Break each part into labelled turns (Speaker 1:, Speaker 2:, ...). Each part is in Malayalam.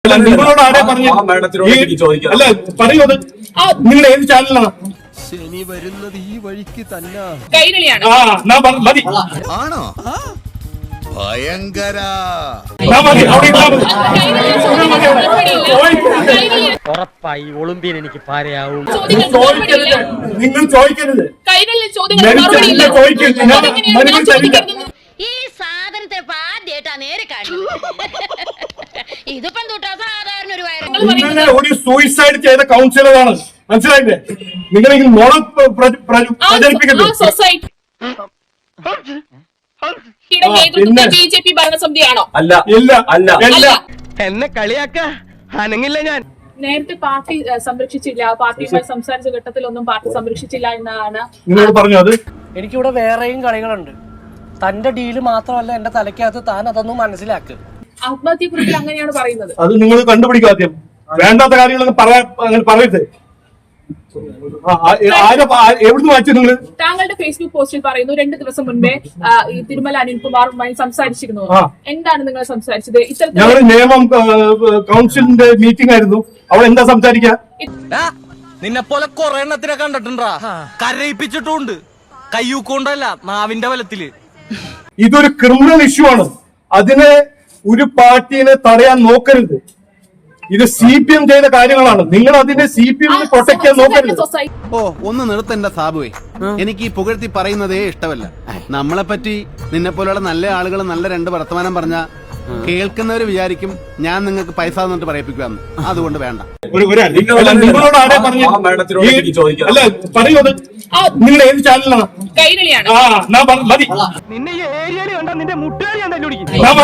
Speaker 1: നിങ്ങളോട് ആരെ പറഞ്ഞു? അല്ല പറയൂ, അത് നിങ്ങൾ ഏത് ചാനലാണ്?
Speaker 2: ശനി വരുന്നത് ഈ വഴിക്ക് തന്നെ.
Speaker 3: കൈരളിയാണ്.
Speaker 1: മതി.
Speaker 2: ആണോ? ഭയങ്കര.
Speaker 4: ഉറപ്പായി ഒളിമ്പിയൻ എനിക്ക് പാരയാവും.
Speaker 1: നിങ്ങൾ ചോദിക്കരുത്.
Speaker 5: ഈ സാധനത്തെ ആദ്യമായിട്ടാ നേരെ കാണുന്നത്. ഇതിപ്പം തൊട്ടാ സാധാരണ ഒരു
Speaker 1: നിങ്ങളെ ഒരു സൂയിസൈഡ് ചെയ്ത കൗൺസിലറാണ്, മനസ്സിലായില്ലേ? നിങ്ങളെങ്കിൽ മോള പ്രചരിപ്പിക്കരുത്.
Speaker 3: ബിജെപി ഭരണസമിതിയാണോ?
Speaker 1: അല്ല, ഇല്ല, അല്ല, അല്ല.
Speaker 4: എന്നെ കളിയാക്ക അനങ്ങില്ല ഞാൻ.
Speaker 3: നേരത്തെ പാർട്ടി സംരക്ഷിച്ചില്ല, പാർട്ടിയുമായി സംസാരിച്ച ഘട്ടത്തിലൊന്നും പാർട്ടി സംരക്ഷിച്ചില്ല എന്നാണ്
Speaker 1: നിങ്ങളോട് പറഞ്ഞു. അത്
Speaker 4: എനിക്കിവിടെ വേറെയും കളികളുണ്ട്. തന്റെ ഡീല് മാത്രമല്ല എന്റെ തലയ്ക്കകത്ത്, താൻ അതൊന്നും മനസ്സിലാക്ക്.
Speaker 3: ആത്മഹത്യക്കുറിപ്പിൽ അങ്ങനെയാണ് പറയുന്നത്.
Speaker 1: അത് നിങ്ങൾ കണ്ടുപിടിക്കുക ആദ്യം. വേണ്ടാത്ത കാര്യങ്ങളൊന്നും അങ്ങനെ പറയരുത്. എവിടുന്ന് വായിച്ചു നിങ്ങൾ?
Speaker 3: താങ്കളുടെ ഫേസ്ബുക്ക് പോസ്റ്റിൽ പറയുന്നു 2 ദിവസം മുൻപേ ഈ തിരുമല അനിൽകുമാറുമായി സംസാരിച്ചിരുന്നു. എന്താണ് നിങ്ങൾ സംസാരിച്ചത്?
Speaker 1: ഞങ്ങൾ നിയമം കൗൺസിലിന്റെ മീറ്റിംഗ് ആയിരുന്നു. അവൾ എന്താ സംസാരിക്കുക?
Speaker 6: നിന്നെ പോലെ കൊറേ എണ്ണത്തിനെ കണ്ടിട്ടുണ്ടാ, കരയിപ്പിച്ചിട്ടുണ്ട്. കയ്യൂക്കൊണ്ടല്ല, നാവിന്റെ ബലത്തില്.
Speaker 1: ഇതൊരു ക്രിമിനൽ ഇഷ്യൂ ആണ്. അതിനെ ഒരു പാർട്ടിനെ തടയാൻ നോക്കരുത്. ഇത് CPM ചെയ്ത കാര്യങ്ങളാണ്. നിങ്ങൾ അതിനെ CPM പ്രൊട്ടക്ട് ചെയ്യാൻ നോക്കരുത്.
Speaker 7: ഓ, ഒന്ന് നിർത്തണ്ട സാബുവേ. എനിക്ക് ഈ പുകഴ്ത്തി പറയുന്നതേ ഇഷ്ടമല്ല. നമ്മളെ പറ്റി നിന്നെ പോലെയുള്ള നല്ല ആളുകൾ നല്ല 2 വർത്തമാനം പറഞ്ഞ കേൾക്കുന്നവര് വിചാരിക്കും ഞാൻ നിങ്ങൾക്ക് പൈസ തന്നിട്ട് പറയിപ്പിക്കുവാന്ന്. അതുകൊണ്ട് വേണ്ട.
Speaker 1: നിങ്ങളോട് ആരെ പറഞ്ഞു? അല്ല പറയൂ, അത് നിങ്ങൾ ഏത് ചാനലാണ്?
Speaker 3: കൈരളിയാണ്.
Speaker 1: മതി.
Speaker 4: നിന്നെ ഈ ഏരിയയിൽ കണ്ടാ നിന്റെ മുട്ടുകാരി ഞാൻ തല്ലുപിടിക്കും.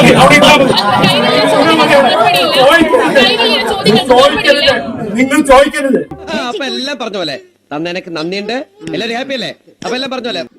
Speaker 1: നിങ്ങൾ ചോദിക്കരുത്.
Speaker 8: അപ്പൊ എല്ലാം പറഞ്ഞ പോലെ തന്നെ. എനിക്ക് നന്ദിയുണ്ട്. എല്ലാവരും ഹാപ്പി അല്ലേ? അപ്പൊ എല്ലാം പറഞ്ഞ പോലെ